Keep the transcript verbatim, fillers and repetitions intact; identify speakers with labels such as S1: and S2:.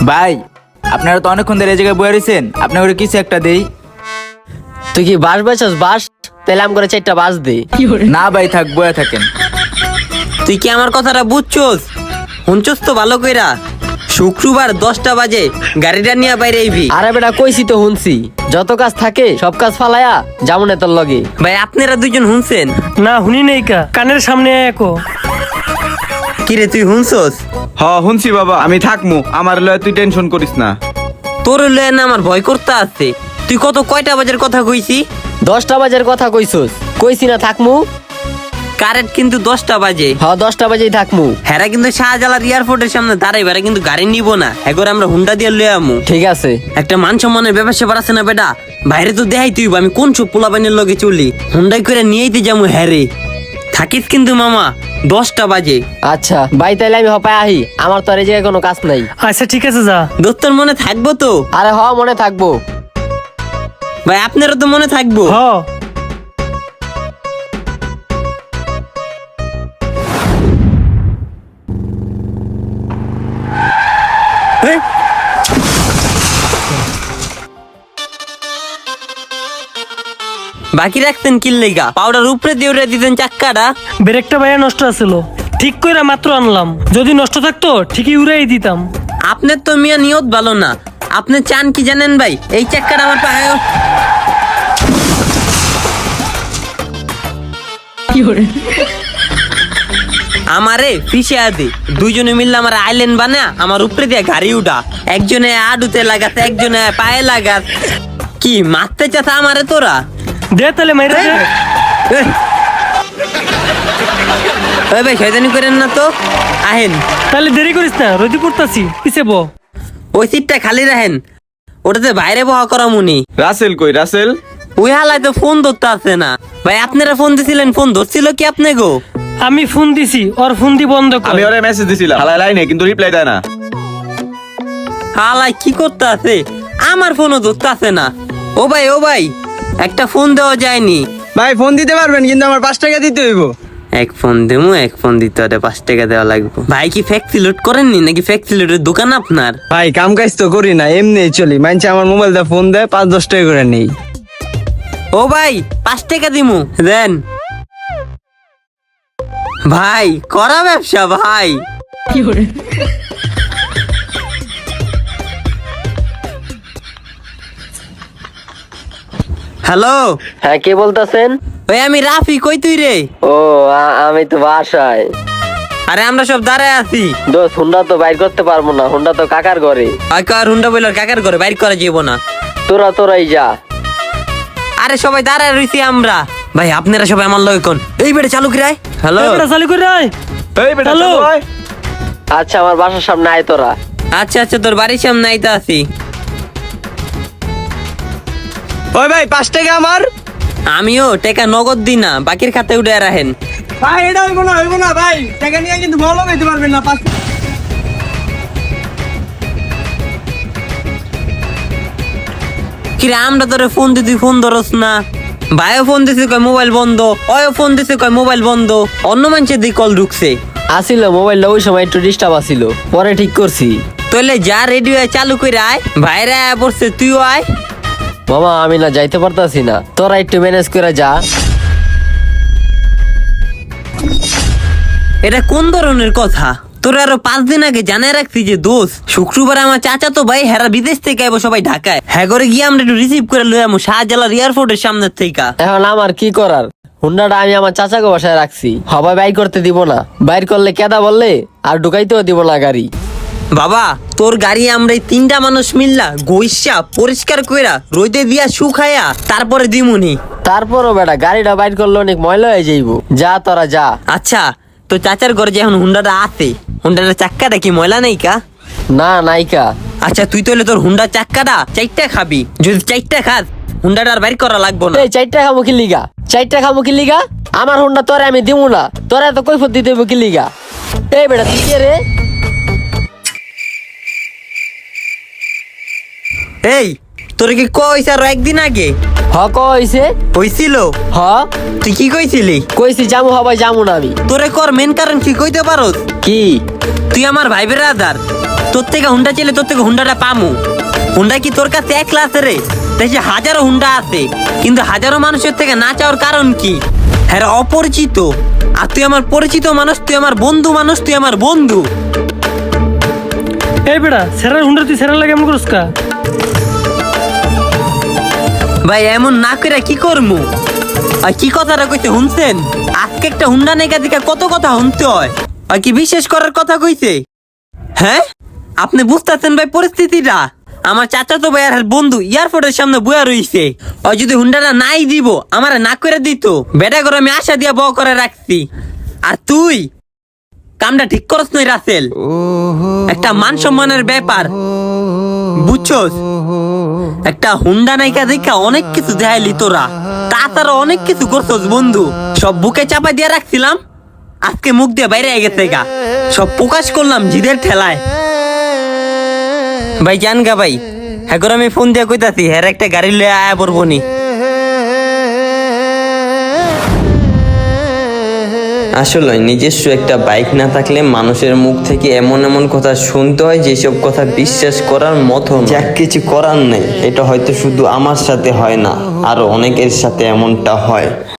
S1: ভাই আপনারা তো অনেকক্ষণ ধরে এই জায়গায় বয়ে রয়েছেন, আপনি ওরে কিছু একটা দেই।
S2: তুই কি বাস বেচাস? বাস তাহলে আম করে চারটা বাস দে।
S1: না ভাই থাক, বয়ে থাকেন।
S3: তুই কি আমার কথাটা বুঝছস? শুনছস তো ভালো কইরা? শুক্রবার দশটা বাজে গাড়িটা নিয়ে বাইরে আইবি।
S2: আরে বেটা কইছি তো শুনছি, যত কাজ থাকে সব কাজ ফালায়া যেমন তোর লগে।
S3: ভাই আপনারা দুইজন শুনছেন?
S4: না শুনি নাই কা, কানের সামনে একো।
S3: কিরে তুই শুনছস?
S5: হ শুনছি বাবা, আমি থাকমু, আমার লয় তুই টেনশন করিস না।
S3: তোর লয়ে না আমার ভয় করতে আছে। তুই কত কয়টা বাজের কথা কইছি?
S2: দশটা বাজের কথা কইছস, কইছি না থাকমু।
S3: কারেন্ট কিন্তু দশটা বাজে।
S2: হ দশটা বাজেই থাকমু।
S3: হেরা কিন্তু শাহজালাল এয়ারপোর্টের সামনে দাঁড়াইবে, হেরা কিন্তু গাড়ি নিব না, এগোর আমরা হুন্ডা দিয়ে লয়ে আমু।
S2: ঠিক আছে।
S3: একটা মান সম্মানের ব্যাপার স্যাপার আছে না বেটা? বাইরে তো দেখাই তুই আমি কোন সব পোলাপাইনের লগে চলি, হুন্ডাই করে নিয়েইতে যাবো। হ্যারে থাকিস কিন্তু মামা, দশটা বাজে।
S2: আচ্ছা ভাই তাইলে আমি হপায় আহি, আমার তো আর এই জায়গায় কোনো কাজ নাই।
S4: আচ্ছা ঠিক আছে যা।
S3: দোস্তর মনে থাকবো তো?
S2: আরে হ মনে থাকবো।
S3: ভাই আপনারও তো মনে থাকবো।
S4: হ
S3: হেই, বাকি রাখতেন কিল্লেগা? পাউডার উপরে দিয়ে উড়ে দিতেন চাক্কাটা।
S4: ব্রেকটা ভাইয়া নষ্ট আছিল, ঠিক কইরা মাত্র আনলাম। যদি নষ্ট থাকতো ঠিকই উড়াই দিতাম।
S3: আপনার তো মিয়া নিয়ত ভালো না। আপনি চান কি জানেন ভাই? এই চাক্কাটা আমার পায়ে আমারে ফিসে আদে, দুইজনে মিললে আমার আইল্যান্ড বানা আমার উপরে দিয়ে গাড়ি উঠা। একজনে আডুতে লাগাতে, একজনে পায়ে লাগাত। কি মারতে চাস আমারে তোরা?
S4: দে তাহলে মাইরা দে।
S3: এই, ওই ভাই শয়তানি করেন না তো, আহেন।
S4: তাহলে দেরি করিস না, রোদি পড়তাছি, পিছে ব।
S3: ওই সিটটা খালি রাখেন, ওটাতে বাইরে বহা করা মুনি।
S5: রাসেল কই রাসেল?
S3: ওই হালায় তো ফোন ধরতে আসে না। ভাই আপনারা ফোন দিছিলেন, ফোন ধরছিল কি আপনি গো?
S4: আমি ফোন দিছি, ওর ফোন দি বন্ধ কর।
S5: আমি ওরে মেসেজ দিছিলাম, হালাই লাইনে কিন্তু রিপ্লাই দেয় না।
S3: হালায় কি করতে আছে? আমার ফোনও ধরতে আসে না। ও ভাই ও ভাই, একটা ফোন দেওয়া যায়নি?
S6: ভাই ফোন দিতে পারবেন, কিন্তু আমার পাঁচ টাকা দিতে হইব।
S3: এক ফোন দেবো, এক ফোন দিতে হলে পাঁচ টাকা দেওয়া লাগবে। ভাই কি ফ্যাক্সি লোড করেননি নাকি? ফ্যাক্সি লোডের দোকান আপনার?
S6: ভাই কাম কাজ তো করি না, এমনি চলি। মানছে আমার মোবাইল দিয়ে ফোন দেয়, পাঁচ দশ টাকা করে নেই।
S3: ও ভাই পাঁচ টাকা দিমু, দেন। ভাই করা ব্যবসা ভাই। হ্যালো,
S2: হ্যাঁ কে বলতেছেন?
S3: ওই আমি রাফি, কই তুই রে?
S2: ও আ- আমি তো বাসায়।
S3: আরে আমরা সব দাঁড়ায় আছি।
S2: দোস্ত হুন্ডা তো বাইর করতে পারবো না, হুন্ডা তো কাকার ঘরে।
S3: আর কার হুন্ডা বইলার কাকার ঘরে বাইর করা যাবো না।
S2: তোরা তোরাই যা।
S3: আরে সবাই দাঁড়ায় রইছি আমরা। ভাই আপনারা সবাই আমার লগে কোন এই বেড়ে চালু কিরায়। হ্যালো,
S4: এবারে চালু করে আয়।
S5: এই বেটা
S4: হ্যালো।
S5: চলো আয়।
S2: আচ্ছা আমার বাসার সামনে আয় তোরা।
S3: আচ্ছা আচ্ছা তোর বাড়ির সামনে আইতা আছি।
S6: ওই ভাই পাঁচ টাকা আমার।
S3: আমিও টাকা নগদ দিই না, বাকির খাতায় উঠে রাখেন।
S6: ভাই এটা হইব না, হইব না ভাই, টাকা নিয়ে কিন্তু ভালো লাগাইতে পারবেন না। পাঁচ
S3: কিরে আমরা তোরে ফোন দিতে ফোন ধরস না? ভাইও ফোন দিছে কয় মোবাইল বন্ধ, অয়ও ফোন দিছে কয় মোবাইল বন্ধ। অন্য মানুষের দিকে কল ঢুকছে।
S2: আসিল মোবাইলটা ওই সময় একটু ডিস্টার্ব আসিল, পরে ঠিক করছি।
S3: তাহলে যা রেডিও চালু করে আয়, ভাইরা আয়া পড়ছে, তুইও আয়।
S2: মামা আমি না যাইতে পারতাছি না, তোরা একটু ম্যানেজ করে যা।
S3: এটা কোন ধরনের কথা? তোর আরো পাঁচ দিন আগে জানাই রাখছি যে দোষ শুক্রবার আমার চাচা তো ভাই হেরা বিদেশ থেকে আইবো সবাই ঢাকায়। হ্যাঁ করে গিয়ে আমরা একটু রিসিভ করে লই আমু শাহজালাল এয়ারপোর্টের সামনের থেকে।
S2: এখন আমার কি করার? হুন্ডাটা আমি আমার চাচাকে বাসায় রাখছি, সবাই বাইর করতে দিব না। বাইর করলে কেদা বললে আর ঢুকাইতেও দিব না গাড়ি।
S3: বাবা তোর গাড়ি আমরা এই তিনটা মানুষ মিললা গইসা পরিষ্কার কইরা রোদে দিয়া শুকায়া তারপরে দিমুনি।
S2: তারপরও বেটা গাড়িটা বাইর করলে অনেক ময়লা হয়ে যাইব। যা তোরা যা।
S3: আচ্ছা তো চাচার ঘরে যে এখন হুন্ডাটা আছে, হুন্ডাটা চাক্কাটা কি ময়লা নেই কা?
S2: না নাইকা।
S3: আচ্ছা তুই তাহলে তোর হুন্ডার চাক্কাটা চারটা খাবি, যদি চারটা খাস হুন্ডাটা আর বাইর করা লাগবো না।
S2: এই চারটা খাবো কি লিগা? চারটা খাবো কি লিগা? আমার হুন্ডা তোরে আমি দিব না, তোরা এত কৈফত দিতে হইব কি লিগা? এই বেটা তুই কে রে?
S3: এই তোর কি কইছ আর একদিন আগে?
S2: হ কইছে
S3: হইছিল?
S2: হ
S3: তুই কি কইছিলি?
S2: কইছি জামু হবাই জামু না আমি।
S3: তোরে কর মেন কারণ কি কইতে পারোস?
S2: কি?
S3: তুই আমার ভাই বেরাদার, তোর থেকে হুন্ডা চেলে তোর থেকে হুন্ডাটা পামু। হুন্ডা কি তোর কাছে একলা আছে রে? দেখছি হাজারো হুন্ডা আছে, কিন্তু হাজারো মানুষের থেকে না চাওয়ার কারণ কি? হ্যাঁ অপরিচিত, আর তুই আমার পরিচিত মানুষ, তুই আমার বন্ধু মানুষ, তুই আমার বন্ধু।
S4: এই বেটা সেরার হুন্ডা তুই সেরার লাগে এমন করস কা?
S3: ভাই এমন না করে কি করমু? আর কি কথাটা কইছে শুনছেন? আজকে একটা হুন্ডা নেগা দিকে কত কথা শুনতে হয়, আর কি বিশেষ করার কথা কইছে? হ্যাঁ আপনি বুঝতেছেন ভাই পরিস্থিতিটা? আমার চাচা তো ভাই আর বন্ধু এয়ারপোর্টের সামনে বয়া রইছে। ও যদি হুন্ডাটা নাই দিব আমার না করে দিত, বেটা করে আমি আশা দিয়া বউ করে রাখছি। আর তুই কামটা ঠিক করছ নই রাসেল, একটা মান সম্মানের ব্যাপার বুঝছস? একটা হুন্ডা নাইকা দেখা অনেক কিছু দেখাইলি তোরা, তাছাড়া অনেক কিছু করছস বন্ধু। সব বুকে চাপা দিয়ে রাখছিলাম, আজকে মুখ দিয়ে বাইরে গেছে গা, সব প্রকাশ করলাম জিদের ঠেলায়। ভাই জান গা ভাই, হ্যাঁ করে আমি ফোন দিয়ে কইতাছি হ্যাঁ একটা গাড়ি লয়ে আয়া পড়বো নি।
S7: আসলে নিজস্ব একটা বাইক না থাকলে মানুষের মুখ থেকে এমন এমন কথা শুনতে হয় যেসব কথা বিশ্বাস করার মতো না। যাক কিছু করার নেই, এটা হয়তো শুধু আমার সাথে হয় না, আরো অনেকের সাথে এমনটা হয়।